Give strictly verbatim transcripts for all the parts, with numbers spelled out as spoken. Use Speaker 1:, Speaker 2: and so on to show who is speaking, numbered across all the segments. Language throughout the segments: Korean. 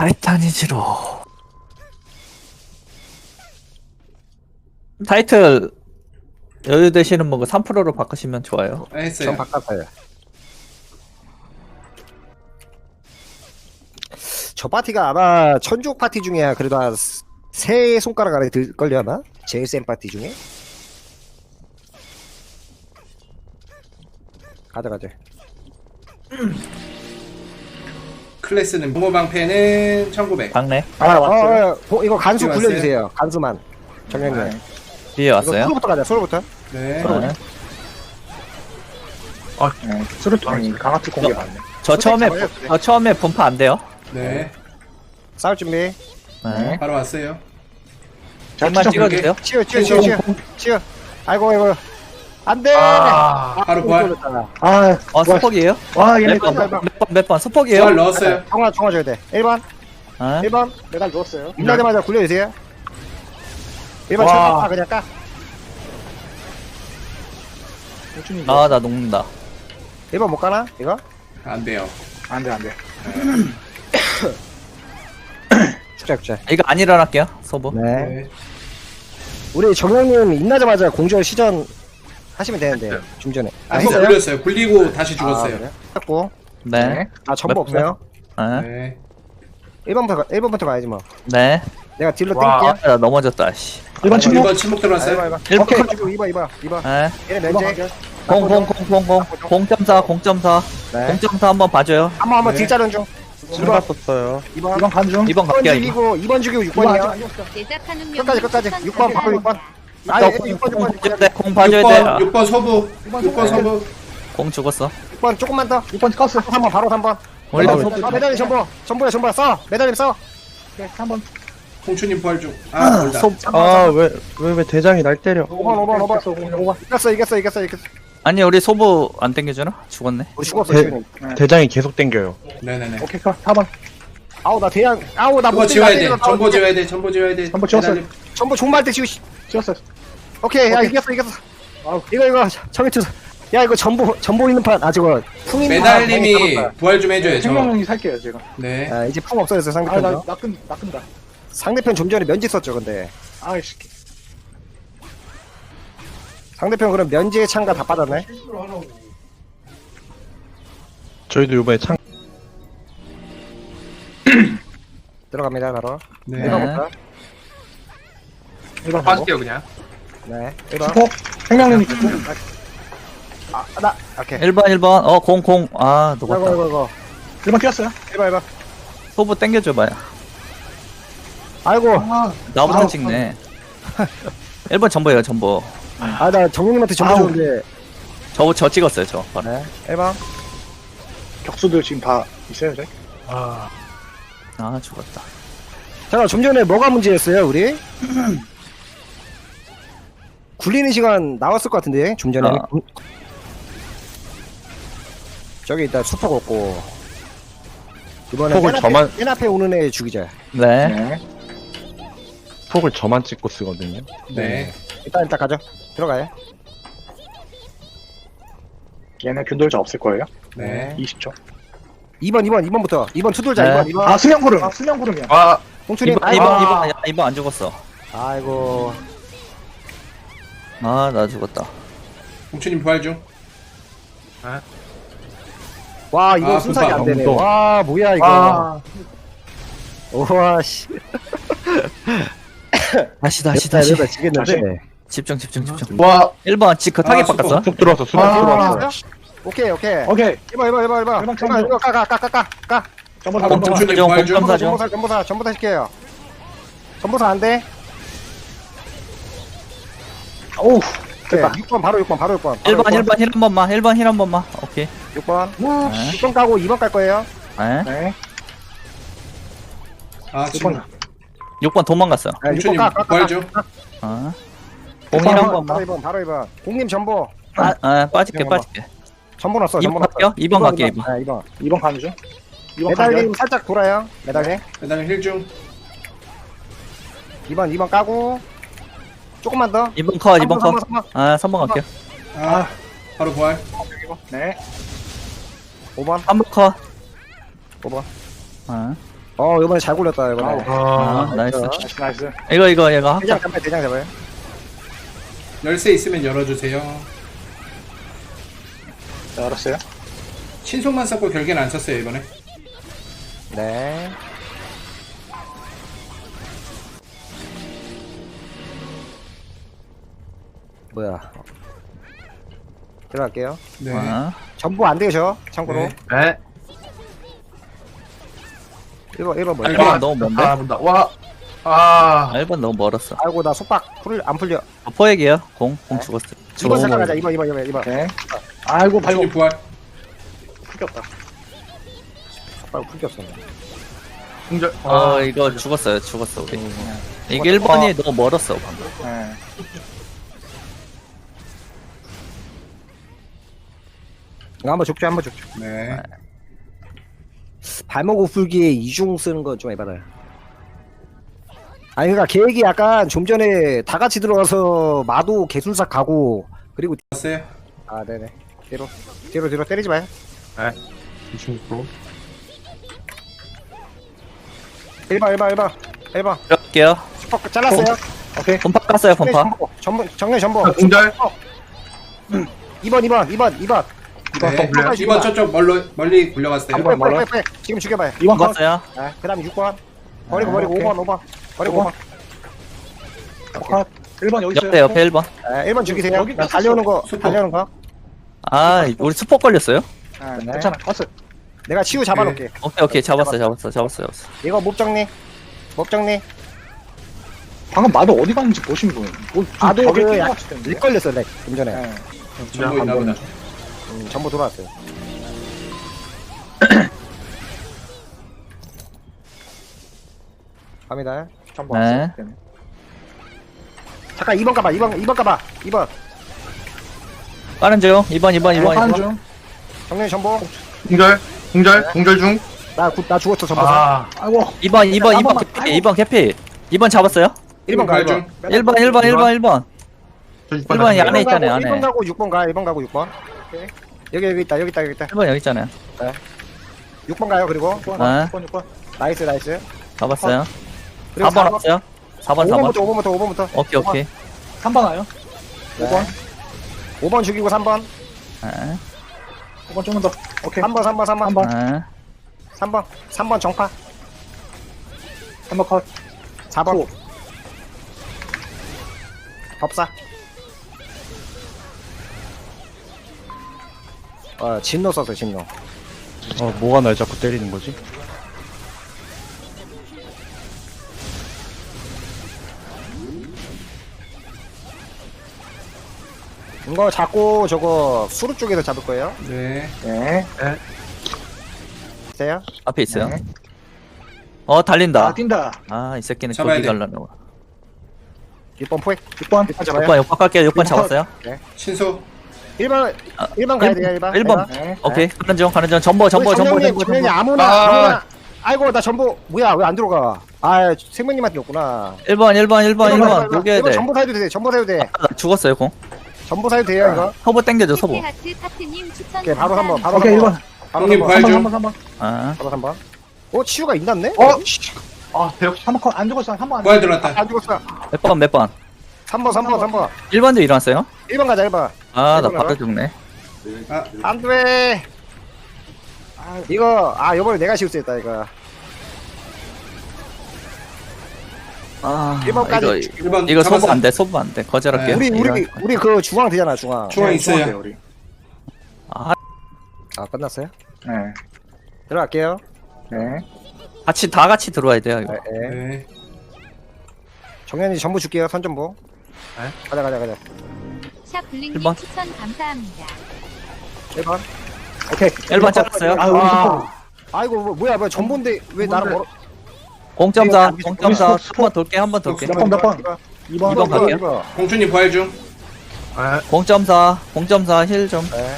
Speaker 1: 타이타니지로. 타이틀 여유 되시는 분그 삼 퍼센트로 바꾸시면 좋아요.
Speaker 2: 아, 했어요.
Speaker 3: 전 바꿨어요. 저 파티가 아마 천주옥 파티 중에 그래도 한 세 손가락 안에 들걸요 아마? 제일 센 파티 중에? 가자 가자.
Speaker 2: 클래스는 부모 방패는 천구백.
Speaker 1: 박네
Speaker 4: 아, 왔어요.
Speaker 3: 어, 어, 어, 이거 간수
Speaker 2: 왔어요?
Speaker 3: 굴려주세요. 간수만. 정량님.
Speaker 4: 네.
Speaker 1: 뒤에
Speaker 3: 이거
Speaker 1: 왔어요.
Speaker 3: 소로부터 가자. 소로부터.
Speaker 2: 네.
Speaker 1: 네.
Speaker 4: 아, 네. 수류탄이 강아지 공개 맞네.
Speaker 1: 저 처음에
Speaker 3: 잡아요,
Speaker 1: 저 처음에 분파 안 돼요.
Speaker 2: 네.
Speaker 3: 싸울 준비.
Speaker 1: 네.
Speaker 2: 바로 왔어요.
Speaker 1: 잠만 찍어주세요.
Speaker 3: 치유 치유 치유 치유. 치유. 아이고 아이고. 안돼.
Speaker 4: 아,
Speaker 2: 바로 부활.
Speaker 4: 아,
Speaker 1: 어 수폭이에요?
Speaker 4: 와, 얘네
Speaker 1: 몇 번
Speaker 3: 번,
Speaker 1: 몇 번 몇 번 수폭이에요?
Speaker 2: 부활 넣었어요.
Speaker 3: 정화 정화 줘야 돼. 일 번.
Speaker 1: 아,
Speaker 3: 일 번.
Speaker 4: 메달 넣었어요.
Speaker 3: 끝나자마자 굴려주세요. 일 번
Speaker 4: 와.
Speaker 3: 철파 그냥 까.
Speaker 4: 호준이
Speaker 1: 아, 나 녹는다.
Speaker 3: 일 번 못 가나? 이거?
Speaker 2: 안 돼요.
Speaker 4: 안 돼, 안 돼.
Speaker 3: 축제 축제.
Speaker 1: 이거 안 일어날게요. 소부.
Speaker 3: 네.
Speaker 2: 네.
Speaker 3: 우리 정영님 인나자마자 공절 시전 하시면 되는데 좀 전에.
Speaker 2: 아, 또 굴렸어요. 굴리고 다시 죽었어요.
Speaker 3: 했고.
Speaker 1: 네.
Speaker 3: 아 전부
Speaker 1: 몇
Speaker 3: 없어요.
Speaker 1: 네.
Speaker 2: 네.
Speaker 3: 일 번부터 가, 일 번부터 가야지 뭐.
Speaker 1: 네.
Speaker 3: 내가 딜로
Speaker 4: 와.
Speaker 3: 땡길게요.
Speaker 1: 아, 나 넘어졌다. 씨.
Speaker 4: 일번 침묵.
Speaker 2: 일 번 침묵 들어왔어요.
Speaker 3: 일 번.
Speaker 1: 일 번.
Speaker 3: 오케이. 가지고 이 번, 이 번, 이 번.
Speaker 1: 네.
Speaker 3: 얘네 면제.
Speaker 1: 공공공공공 공점사 공점사
Speaker 3: 네.
Speaker 1: 공점사 한번 봐줘요.
Speaker 3: 한번 한번
Speaker 2: 네.
Speaker 3: 딜자른 중. 일 번.
Speaker 1: 썼어요.
Speaker 3: 이 번.
Speaker 4: 이번 간 중.
Speaker 1: 이번
Speaker 3: 이 번
Speaker 1: 갈게요. 이번.
Speaker 3: 죽이고 이 번 죽이고 육 번이요.
Speaker 5: 제작하는
Speaker 3: 끝까지 끝까지. 육 번 바로 육 번. 아,
Speaker 1: 공
Speaker 3: 육 번 육 번 육
Speaker 1: 봐줘야
Speaker 3: 번.
Speaker 1: 돼. 공 봐줘야 돼. 아,
Speaker 2: 육 번 소부. 육 번 소부.
Speaker 1: 공 죽었어.
Speaker 3: 육 번 조금만 더.
Speaker 4: 육 번 껐어.
Speaker 3: 삼 번 바로 삼 번.
Speaker 1: 원래
Speaker 3: 아,
Speaker 1: 소부.
Speaker 3: 메달리 전보. 전보야 전보야 써. 메달리 써.
Speaker 4: 네, 한 번.
Speaker 2: 홍추님 부활 중. 아, 몰다.
Speaker 6: 아, 왜, 왜, 왜 대장이 날 때려?
Speaker 3: 오 번 오 번 오 번.
Speaker 4: 오 번.
Speaker 3: 이겼어 이겼어 이겼어 이겼어.
Speaker 1: 아니 우리 소부 안 땡겨주나? 죽었네.
Speaker 3: 우리 죽었어
Speaker 6: 대-
Speaker 3: 지금.
Speaker 6: 대장이 계속 땡겨요.
Speaker 2: 네네네.
Speaker 4: 오케이, 컷. 사 번.
Speaker 3: 아우 나 대양. 아우 나
Speaker 2: 그거
Speaker 3: 못
Speaker 2: 지워야 돼.
Speaker 3: 때리겠다.
Speaker 2: 전보 지워야 돼. 전보 지워야 돼.
Speaker 4: 전보 지웠어요.
Speaker 2: 메달림.
Speaker 3: 전보 종말 때 지우. 씨.
Speaker 4: 찍었어요.
Speaker 3: 오케이 야
Speaker 4: 오케이.
Speaker 3: 이겼어 이겼어. 이거 이거 정해투. 야 이거 전보 전보 있는 판. 아 저거 풍 있는 판 많이
Speaker 2: 메달님이
Speaker 3: 잡았다.
Speaker 2: 부활 좀 해줘요. 저.
Speaker 4: 생명력이 살게요, 제가.
Speaker 2: 네.
Speaker 3: 아 이제 풍 없어졌어
Speaker 4: 아,
Speaker 3: 상대편.
Speaker 4: 나,
Speaker 3: 도
Speaker 4: 나 끈, 나 끈다.
Speaker 3: 상대편 좀 전에 면지 썼죠 근데.
Speaker 4: 아이씨.
Speaker 3: 상대편 그럼 면지의 창가 다 빠졌네.
Speaker 6: 저희도 이번에 창,
Speaker 3: 들어갑니다 바로.
Speaker 2: 네.
Speaker 3: 일 번부터.
Speaker 4: 일 번
Speaker 7: 빠질게요 그냥.
Speaker 3: 네. 일 번.
Speaker 4: 수폭. 생명력이 있고.
Speaker 3: 아 나. 오케이.
Speaker 1: 일 번 일 번. 어 공 공. 아
Speaker 3: 이거
Speaker 1: 녹았다.
Speaker 3: 이거 이거.
Speaker 4: 일 번 꼈어요.
Speaker 3: 일 번 일 번.
Speaker 1: 소부 땡겨줘봐요.
Speaker 3: 아이고.
Speaker 1: 나부터
Speaker 4: 아우,
Speaker 1: 찍네. 일 번 전보예요 전보.
Speaker 3: 아 나 정용님한테 전보
Speaker 4: 아우.
Speaker 3: 줬는데.
Speaker 1: 저 저 찍었어요 저. 바로.
Speaker 3: 네. 일 번.
Speaker 4: 격수들 지금 다 있어요, 제? 아.
Speaker 1: 아 죽었다.
Speaker 3: 잠깐 좀 전에 뭐가 문제였어요 우리? 굴리는 시간 나왔을 것 같은데 좀 전에.
Speaker 1: 아.
Speaker 3: 저기 있다 수폭 없고. 이번에
Speaker 6: 폭을
Speaker 3: 맨 앞에,
Speaker 6: 저만-
Speaker 3: 맨 앞에 오는 애 죽이자.
Speaker 1: 네.
Speaker 4: 네.
Speaker 6: 폭을 저만 찍고 쓰거든요.
Speaker 2: 네.
Speaker 3: 일단 일단 가죠. 들어가요.
Speaker 4: 얘네 균돌자 없을 거예요.
Speaker 2: 네.
Speaker 4: 이십 초.
Speaker 3: 이 번 이 번 이 번부터 이 번 투돌자
Speaker 1: 네.
Speaker 3: 이 번 이 번.
Speaker 4: 아, 수명구름. 수명구름이야.
Speaker 7: 아
Speaker 3: 홍춘님.
Speaker 1: 이번
Speaker 3: 아이고.
Speaker 1: 이번 이번 이번 안 죽었어.
Speaker 3: 아이고.
Speaker 1: 아 나 죽었다.
Speaker 2: 홍추님 부활 중.
Speaker 3: 와 이거
Speaker 2: 아,
Speaker 3: 순삭이
Speaker 2: 분파.
Speaker 3: 안 되네.
Speaker 6: 너무
Speaker 3: 와 뭐야 이거.
Speaker 4: 아,
Speaker 3: 우와 씨.
Speaker 1: 다시 다시
Speaker 3: 됐다,
Speaker 1: 다시.
Speaker 3: 이러다 지겠는데.
Speaker 1: 집중 집중 집중.
Speaker 6: 와,
Speaker 1: 일 번 지 그타게
Speaker 2: 아,
Speaker 1: 바꿨어.
Speaker 6: 쑥 들어왔어, 쑥
Speaker 4: 아.
Speaker 6: 들어왔어.
Speaker 3: 오케이 오케이.
Speaker 4: 오케이.
Speaker 3: 일 번 일 번 일 번 일 번.
Speaker 4: 일 번
Speaker 3: 일 번 이거 까까까까 까.
Speaker 4: 전부
Speaker 2: 아,
Speaker 4: 다
Speaker 2: 멈춰.
Speaker 4: 전부 다.
Speaker 2: 홍춘님 부활 중.
Speaker 1: 공점사 중.
Speaker 3: 전보사 전보사 전보사 시켜요. 전보사 안 돼.
Speaker 4: 오우.
Speaker 3: 오케이.
Speaker 4: 됐다.
Speaker 3: 육 번 바로 육 번 바로 육 번.
Speaker 1: 일 번 일 번 힐 한 번만. 일 번 힐 한 번만. 오케이.
Speaker 3: 육 번.
Speaker 1: 네.
Speaker 3: 육 번 까고 이 번 깔 거예요.
Speaker 1: 네.
Speaker 4: 네.
Speaker 2: 아,
Speaker 4: 일 번.
Speaker 2: 지금.
Speaker 1: 육 번 도망갔어.
Speaker 3: 네, 육 번
Speaker 2: 홍추님
Speaker 3: 까, 까, 까,
Speaker 2: 부활
Speaker 3: 까.
Speaker 2: 중.
Speaker 1: 아. 공일 한
Speaker 3: 바로
Speaker 1: 번만.
Speaker 3: 이 번 바로 이 번. 공님 전보.
Speaker 1: 아, 아 빠질게
Speaker 3: 그냥
Speaker 1: 빠질게.
Speaker 3: 전보 넣었어.
Speaker 1: 이 번
Speaker 3: 전보 넣었어.
Speaker 1: 갈게요? 이 번 갈게요, 이 번.
Speaker 3: 네, 이 번.
Speaker 4: 이 번 가는 중. 이 번
Speaker 3: 메달님
Speaker 4: 가는
Speaker 3: 살짝 돌아요. 메달님.
Speaker 2: 메달림 힐 중.
Speaker 3: 이 번 이 번 까고 조금만 더.
Speaker 1: 이 번 컷, 이 번
Speaker 3: 삼 번,
Speaker 1: 컷.
Speaker 3: 삼 번, 삼
Speaker 1: 아, 삼 번 갈게요.
Speaker 2: 아, 바로 부활.
Speaker 4: 네.
Speaker 3: 오 번.
Speaker 1: 삼 번 컷.
Speaker 3: 오 번.
Speaker 1: 아.
Speaker 3: 어 이번에 잘 굴렸다 이번에.
Speaker 1: 아, 나이스.
Speaker 4: 나이스, 나이스.
Speaker 1: 이거, 이거, 이거
Speaker 3: 대장
Speaker 1: 합격.
Speaker 3: 잡아요 대장 잡아요.
Speaker 2: 열쇠 있으면 열어주세요.
Speaker 4: 자, 알았어요.
Speaker 2: 신속만 썼고 결계는 안 썼어요 이번에.
Speaker 3: 네. 뭐야? 들어갈게요.
Speaker 2: 네.
Speaker 1: 아,
Speaker 3: 전부 안 되죠? 참고로.
Speaker 2: 네.
Speaker 5: 네.
Speaker 3: 일 번 일 번 뭐야?
Speaker 1: 일 번 너무 먼데?
Speaker 5: 아, 본다. 와. 아.
Speaker 1: 일 번 너무 멀었어.
Speaker 3: 아이고 나 속박 풀 안 풀려.
Speaker 1: 어, 포획이에요. 공, 공
Speaker 3: 네.
Speaker 1: 죽었어.
Speaker 3: 이 번 잠깐
Speaker 1: 죽어.
Speaker 3: 가자. 이 번 이 번 이 번 이 번.
Speaker 4: 오케이. 아이고, 발목
Speaker 2: 공주님 부활.
Speaker 4: 풀겼다.
Speaker 3: 속박 풀겼어.
Speaker 5: 공절.
Speaker 1: 어,
Speaker 5: 아.
Speaker 1: 이거 죽었어요. 죽었어, 우리. 이게 일 번이 너무 멀었어, 방금.
Speaker 4: 네.
Speaker 3: 이거 한번 족죠 한번 족죠.
Speaker 2: 네.
Speaker 3: 발목 풀기에 이중 쓰는 건 좀 해봐라. 아니 그러니까 계획이 약간 좀 전에 다 같이 들어가서 마도 개술사 가고 그리고
Speaker 2: 왔어요.
Speaker 3: 아 네네 뒤로 뒤로 뒤로 때리지 마요.
Speaker 5: 이십육 프로.
Speaker 3: 일 번 일 번 일 번 일 번
Speaker 1: 들어갈게요.
Speaker 3: 슈퍼 잘랐어요.
Speaker 4: 오케이.
Speaker 1: 분파 깠어요, 분파.
Speaker 3: 전보 전보 정면 전보.
Speaker 5: 아, 공절.
Speaker 3: 이 번 이 번 이 번 이 번
Speaker 2: 네.
Speaker 3: 번
Speaker 2: 이번 저쪽 멀리 멀리 굴려갔어요.
Speaker 3: 빨리 빨리 빨리 빨리 지금 죽여봐요.
Speaker 4: 이번 컷.
Speaker 1: 죽었어요.
Speaker 3: 아 그다음 육 번 버리고
Speaker 4: 아,
Speaker 3: 버리고
Speaker 4: 오케이.
Speaker 3: 오 번 오 번 버리고 오 번.
Speaker 4: 컷. 일 번 여기 있어요.
Speaker 1: 옆에, 옆에 일 번.
Speaker 3: 아, 일 번 죽이세요.
Speaker 4: 여기
Speaker 3: 나 달려오는 거
Speaker 2: 슈퍼.
Speaker 3: 달려오는 거.
Speaker 1: 아, 우리 스포 걸렸어요?
Speaker 4: 아,
Speaker 3: 네.
Speaker 4: 괜찮아. 컷을.
Speaker 3: 내가 치유 잡아놓게.
Speaker 1: 오케이, 오케이. 잡았어, 잡았어, 잡았어, 잡았어.
Speaker 3: 이거 목 정리. 목 정리.
Speaker 4: 방금 마도 어디 갔는지 보시면 뭐, 뭐 좀
Speaker 3: 마도
Speaker 4: 벽에
Speaker 3: 그
Speaker 4: 낀것
Speaker 3: 약-
Speaker 4: 같은데.
Speaker 3: 일 걸렸어 렉 좀 전에.
Speaker 4: 네.
Speaker 2: 전부 있나 보다.
Speaker 3: 음, 전부 돌아왔어요. 갑니다.
Speaker 4: 전부
Speaker 1: 네.
Speaker 4: 왔어요. 네.
Speaker 3: 잠깐 이 번 가봐. 이 번 이 번 가봐. 이 번.
Speaker 1: 빠른 중. 이 번, 이 번, 이 번, 이
Speaker 4: 하는
Speaker 1: 번.
Speaker 4: 중.
Speaker 3: 정리 전보.
Speaker 5: 공절. 공절. 공절 중.
Speaker 3: 나, 구, 나 죽었어 전보.
Speaker 5: 아.
Speaker 4: 아이고.
Speaker 1: 이 번, 이 번, 이 번
Speaker 4: 한 번만.
Speaker 1: 개피. 이 번 개피. 이 번 잡았어요?
Speaker 3: 일 번 가. 일
Speaker 2: 중.
Speaker 3: 번.
Speaker 1: 일 번, 일 번, 일 번, 일 번.
Speaker 5: 저
Speaker 1: 일 번이 안에 있잖아요, 안에.
Speaker 3: 일 번 가고 육 번 가. 일 번 가고 육 번. 오케이. 여기 여기 있다. 여기 있다. 여기 있다.
Speaker 1: 일 번 여기 있잖아요.
Speaker 3: 육 번 가요. 그리고
Speaker 4: 육 번,
Speaker 1: 아.
Speaker 4: 육 번, 육 번.
Speaker 3: 나이스 나이스.
Speaker 1: 잡았어요.
Speaker 3: 그리고
Speaker 1: 사 번 왔어요? 사 번, 사 번.
Speaker 3: 오 번부터 오 번부터 오 번부터.
Speaker 1: 오케이, 오케이.
Speaker 4: 삼 번 와요. 오 번.
Speaker 3: 오 번 죽이고 삼 번.
Speaker 1: 아,
Speaker 4: 오 번 조금 더. 오케이.
Speaker 3: 삼 번 삼 번 삼 번.
Speaker 4: 삼 번.
Speaker 1: 아.
Speaker 3: 삼 번. 삼 번 정파.
Speaker 4: 삼 번 컷.
Speaker 3: 사 번.
Speaker 4: 구.
Speaker 3: 법사. 어, 진노 썼어, 진노.
Speaker 6: 어, 뭐가 날 자꾸 때리는 거지?
Speaker 3: 이거 자꾸 저거 수루 쪽에서 잡을 거예요.
Speaker 2: 네.
Speaker 4: 네.
Speaker 3: 있어요?
Speaker 1: 앞에 있어요.
Speaker 4: 네.
Speaker 1: 어, 달린다.
Speaker 4: 아, 뛴다.
Speaker 1: 아, 이 새끼는
Speaker 2: 잡아야
Speaker 1: 어디
Speaker 2: 돼.
Speaker 1: 갈라고.
Speaker 3: 육 번 포획.
Speaker 4: 육 번.
Speaker 3: 육 번
Speaker 1: 육
Speaker 3: 잡아요.
Speaker 1: 번, 육 번 갈게요. 육 번
Speaker 4: 육 번.
Speaker 1: 잡았어요.
Speaker 2: 신속.
Speaker 3: 일 번,
Speaker 1: 아,
Speaker 3: 일 번 가야 돼요, 일 번.
Speaker 1: 일 번.
Speaker 4: 네.
Speaker 1: 오케이. 가는 중, 가는 중. 전보, 전보, 전보,
Speaker 3: 정령님,
Speaker 1: 전보,
Speaker 3: 정령님
Speaker 1: 전보.
Speaker 3: 아무나,
Speaker 5: 아.
Speaker 3: 아무나. 아이고, 나 전부, 뭐야, 왜 안 들어가? 아, 생명님한테 였구나.
Speaker 1: 일 번, 일 번, 일 번, 일 번. 녹여야
Speaker 3: 이거
Speaker 1: 돼.
Speaker 3: 전부 사해도 돼, 전부 사해도 돼.
Speaker 1: 아, 나 죽었어요, 공.
Speaker 3: 전부 사해도 돼요, 이거.
Speaker 1: 서보 땡겨줘, 서보.
Speaker 7: 하트 파트님 추천
Speaker 3: 오케이, 바로 삼 번, 바로
Speaker 4: 오케이,
Speaker 3: 삼
Speaker 4: 일
Speaker 3: 번.
Speaker 4: 번.
Speaker 3: 바로
Speaker 2: 형님
Speaker 3: 삼
Speaker 2: 부활
Speaker 3: 번.
Speaker 2: 중.
Speaker 4: 삼 번, 삼 번.
Speaker 1: 아,
Speaker 3: 바로 삼 번. 어, 치유가 있났네?
Speaker 4: 어? 아, 대역 삼 번 컷. 안 죽었어. 한 번 안
Speaker 2: 부활
Speaker 4: 죽었어.
Speaker 2: 들어왔다.
Speaker 3: 안 죽었어.
Speaker 1: 몇 번, 몇 번.
Speaker 3: 삼 번, 삼 번, 삼 번.
Speaker 1: 일 번도 일어났어요?
Speaker 3: 일 번 가자, 일 번.
Speaker 1: 아, 나
Speaker 3: 일 번
Speaker 1: 바로
Speaker 3: 알아?
Speaker 1: 죽네.
Speaker 2: 아,
Speaker 3: 안 돼. 아, 이거, 아, 요번에 내가 실수했다, 이거.
Speaker 1: 아,
Speaker 3: 일 번까지.
Speaker 1: 이거,
Speaker 2: 일 번
Speaker 1: 이거 소부
Speaker 2: 잡았어.
Speaker 1: 안 돼, 소부 안 돼. 거절할게요.
Speaker 2: 네.
Speaker 3: 우리, 우리,
Speaker 1: 이런-
Speaker 3: 우리 그 중앙 되잖아, 중앙.
Speaker 2: 중앙
Speaker 4: 네,
Speaker 2: 있어요.
Speaker 4: 중앙이에요, 우리.
Speaker 1: 아,
Speaker 3: 아, 끝났어요?
Speaker 4: 네.
Speaker 3: 들어갈게요.
Speaker 4: 네.
Speaker 1: 같이, 다 같이 들어와야 돼요, 이거.
Speaker 3: 네, 네.
Speaker 2: 네.
Speaker 3: 정현이 전부 줄게요, 선전부.
Speaker 5: 네.
Speaker 3: 가자, 가자, 가자.
Speaker 7: 샵 블링님
Speaker 1: 일 번.
Speaker 7: 추천 감사합니다.
Speaker 3: 일 번.
Speaker 4: 오케이.
Speaker 1: 일 번 잘랐어요.
Speaker 4: 아, 우리
Speaker 3: 아,
Speaker 4: 스포.
Speaker 3: 아이고, 뭐, 뭐야, 뭐야, 전부인데 왜 나를 멀어?
Speaker 1: 공점사,
Speaker 3: 우리
Speaker 1: 공점사.
Speaker 4: 스포,
Speaker 1: 한 번 돌게, 한 번 돌게.
Speaker 4: 몇 번, 몇 번?
Speaker 3: 이번,
Speaker 4: 이 번.
Speaker 1: 이 번 갈게요.
Speaker 3: 이번.
Speaker 2: 공주님 부활 중.
Speaker 5: 아.
Speaker 1: 공점사, 공점사 힐 좀.
Speaker 3: 네.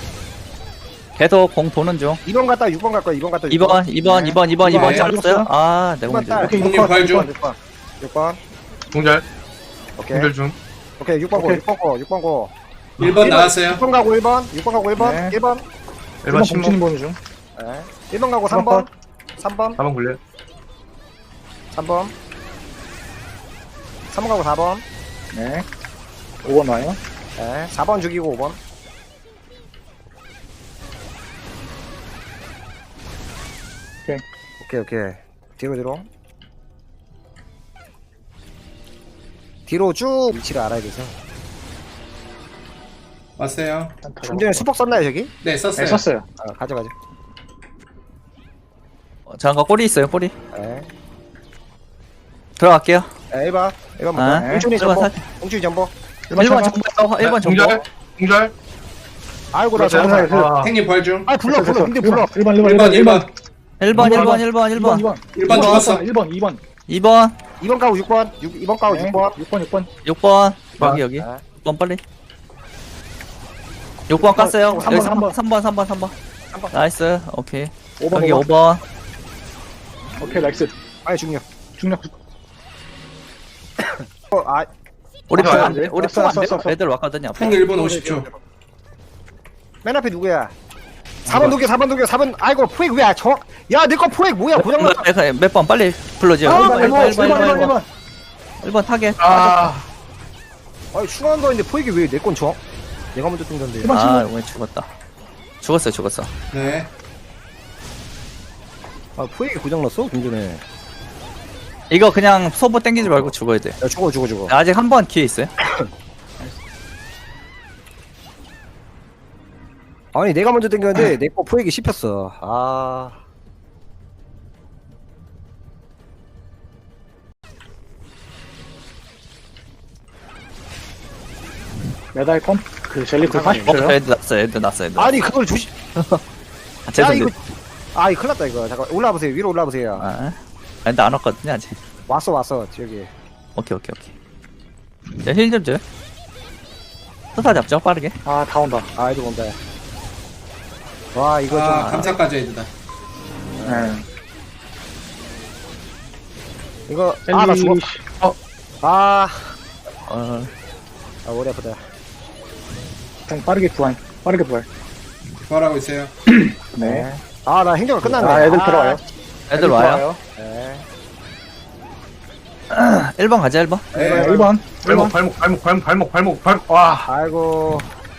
Speaker 1: 계속 공 도는 중.
Speaker 3: 이 번 갔다 육 번 갈 거야, 이 번 갔다
Speaker 1: 이 번, 이 번, 이 번, 이 번, 이 번
Speaker 2: 네.
Speaker 1: 잘랐어요? 아, 내가 문제.
Speaker 3: 오케이,
Speaker 4: 오케이,
Speaker 2: 형님
Speaker 4: 육 번.
Speaker 2: 부활 중.
Speaker 3: 육 번. 육 번.
Speaker 5: 공절.
Speaker 3: 오케이.
Speaker 5: 공절 중.
Speaker 3: 오케이, 육 번 고,
Speaker 4: 오케이.
Speaker 3: 육 번 고, 육 번 고.
Speaker 2: 일 번 나왔어요.
Speaker 3: 육 번 가고 일 번, 육 번 가고 일 번,
Speaker 4: 네.
Speaker 3: 일 번.
Speaker 5: 일
Speaker 4: 일
Speaker 5: 번
Speaker 4: 번
Speaker 5: 신문.
Speaker 4: 공치님 보는 중.
Speaker 3: 네. 일 번 가고 삼 번, 삼 번.
Speaker 5: 사 번 굴려.
Speaker 3: 삼 번. 삼 번 가고 사 번.
Speaker 4: 네. 오 번 와요.
Speaker 3: 네. 사 번 죽이고 오 번.
Speaker 4: 오케이.
Speaker 3: 오케이, 오케이. 뒤로, 뒤로. 뒤로 쭉 위치를 알아야 돼서.
Speaker 2: 왔어요.
Speaker 3: 좀 전에 수폭 썼나요, 저기?
Speaker 2: 네, 썼어요.
Speaker 4: 네, 썼어요.
Speaker 3: 아, 가져가죠.
Speaker 1: 어, 잠깐 꼬리 있어요 꼬리.
Speaker 3: 네.
Speaker 1: 들어갈게요.
Speaker 3: 네, 일 번. 일 번부터.
Speaker 1: 아,
Speaker 3: 홍준이
Speaker 1: 일
Speaker 3: 전보.
Speaker 1: 번 살-
Speaker 3: 홍준이 전보.
Speaker 1: 일 번 정보. 일 번 정보.
Speaker 5: 공절. 공절.
Speaker 3: 아이고, 나
Speaker 5: 그렇죠.
Speaker 3: 저거.
Speaker 4: 그-
Speaker 5: 아,
Speaker 2: 탱님 부활 중.
Speaker 3: 아, 불러, 불러. 근데 불러.
Speaker 4: 일 번, 일 번,
Speaker 2: 일 번, 일 번.
Speaker 1: 일 번 일 번 일 번 일 번.
Speaker 4: 일 번.
Speaker 2: 일 번 죽었어.
Speaker 4: 일 번, 이 번.
Speaker 1: 이 번
Speaker 3: 이 번 가고 육 번. 육, 이 번 가고
Speaker 4: 네.
Speaker 3: 육 번.
Speaker 4: 육 번, 육 번.
Speaker 1: 육 번.
Speaker 5: 번.
Speaker 1: 여기 여기.
Speaker 3: 아.
Speaker 1: 육 번 빨리. 육 번 깠어요.
Speaker 4: 삼 번,
Speaker 1: 여기
Speaker 4: 삼 번.
Speaker 1: 삼 번 삼 번 삼 번.
Speaker 3: 삼 번.
Speaker 1: 나이스. 오케이.
Speaker 4: 오 번,
Speaker 1: 여기
Speaker 4: 오
Speaker 1: 오
Speaker 4: 번.
Speaker 1: 번.
Speaker 4: 오케이, 나이스.
Speaker 3: 아니, 중력.
Speaker 4: 중력.
Speaker 3: 어, 아,
Speaker 1: 우리
Speaker 5: 아,
Speaker 1: 푸안
Speaker 4: 안 돼.
Speaker 1: 우리
Speaker 4: 왔어,
Speaker 1: 푸안
Speaker 4: 왔어, 왔어.
Speaker 1: 애들 왔거든요. 앞에.
Speaker 2: 탱 일 분 오십 초.
Speaker 3: 맨 앞에 누구야? 사 번 녹여, 사 번 녹여, 사 번. 아이고, 포획 왜야? 저, 야, 내 거 포획 뭐야? 고장났다.
Speaker 1: 몇 번 빨리 불러줘요.
Speaker 3: 아,
Speaker 1: 일 번,
Speaker 3: 일
Speaker 1: 일 번, 일 번, 일 번, 일 번. 일 번 타겟.
Speaker 5: 아,
Speaker 3: 아니, 중요한 거 있는데 포획이 왜 내 건 줘? 내가 먼저 뜬 건데.
Speaker 1: 아, 오늘 죽었다. 죽었어요, 죽었어.
Speaker 2: 네.
Speaker 3: 아, 포획이 고장났어? 좀 전에.
Speaker 1: 이거 그냥 소보 땡기지 말고 죽어야 돼.
Speaker 3: 야, 죽어, 죽어, 죽어.
Speaker 1: 아직 한 번 기회 있어요.
Speaker 3: 아니, 내가 먼저 땡겼는데 내 거 포획이 씹혔어. 아.
Speaker 4: 메달 펌? 그 젤리풀
Speaker 1: 어,
Speaker 4: 사십 초요?
Speaker 1: 애들 났어, 애들 났어, 애들.
Speaker 3: 아니, 그걸 조심.
Speaker 1: 아,
Speaker 3: 야,
Speaker 1: 죄송해요.
Speaker 3: 이거. 아, 이거 큰일 났다, 이거. 잠깐, 올라와 보세요. 위로 올라와 보세요.
Speaker 1: 아, 애들 안 왔거든요, 아직.
Speaker 3: 왔어, 왔어. 저기.
Speaker 1: 오케이, 오케이, 오케이. 자, 힐좀 줘요. 스타 잡죠, 빠르게.
Speaker 4: 아, 다 온다.
Speaker 3: 아, 애들 온다. 와, 이거
Speaker 2: 아,
Speaker 3: 좀.
Speaker 2: 감사까지 애들다.
Speaker 4: 네.
Speaker 3: 이거. 아, 나 죽어.
Speaker 4: 젤리.
Speaker 3: 아.
Speaker 1: 어,
Speaker 3: 아, 머리 아프다.
Speaker 4: 그냥 빠르게 부활. 빠르게 부활.
Speaker 2: 부활하고 있어요.
Speaker 4: 네.
Speaker 3: 아, 나 행정을 끝났네.
Speaker 4: 아, 애들 들어와요.
Speaker 1: 애들 와요.
Speaker 3: 네.
Speaker 1: 일 번 가자, 일 번.
Speaker 2: 네.
Speaker 4: 일 번. 일
Speaker 5: 발목,
Speaker 4: 번.
Speaker 5: 발목, 발목, 발목, 발목, 발목, 발목. 와,
Speaker 3: 아이고.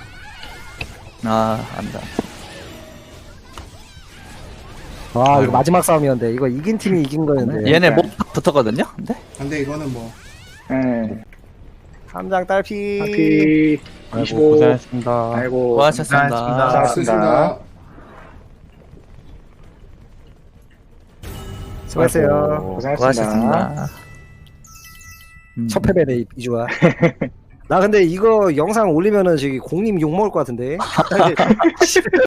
Speaker 1: 아, 안다.
Speaker 3: 와, 이거
Speaker 1: 아이고.
Speaker 3: 마지막 싸움이었는데. 이거 이긴 팀이 이긴 거였는데.
Speaker 1: 얘네
Speaker 4: 네.
Speaker 1: 못 붙었거든요? 근데?
Speaker 2: 근데 이거는 뭐.
Speaker 4: 네.
Speaker 3: 함장 딸피.
Speaker 4: 하피.
Speaker 6: 아이고,
Speaker 4: 이십오.
Speaker 6: 고생하셨습니다.
Speaker 4: 아이고.
Speaker 1: 고하셨습니다.
Speaker 5: 고생하셨습니다.
Speaker 2: 수고하셨습니다.
Speaker 3: 수고했어요.
Speaker 6: 아이고.
Speaker 4: 고생하셨습니다.
Speaker 1: 고하셨습니다. 음.
Speaker 3: 첫 패배네, 이주아. 나 근데 이거 영상 올리면은 저기 공님 욕먹을 것 같은데. 갑자기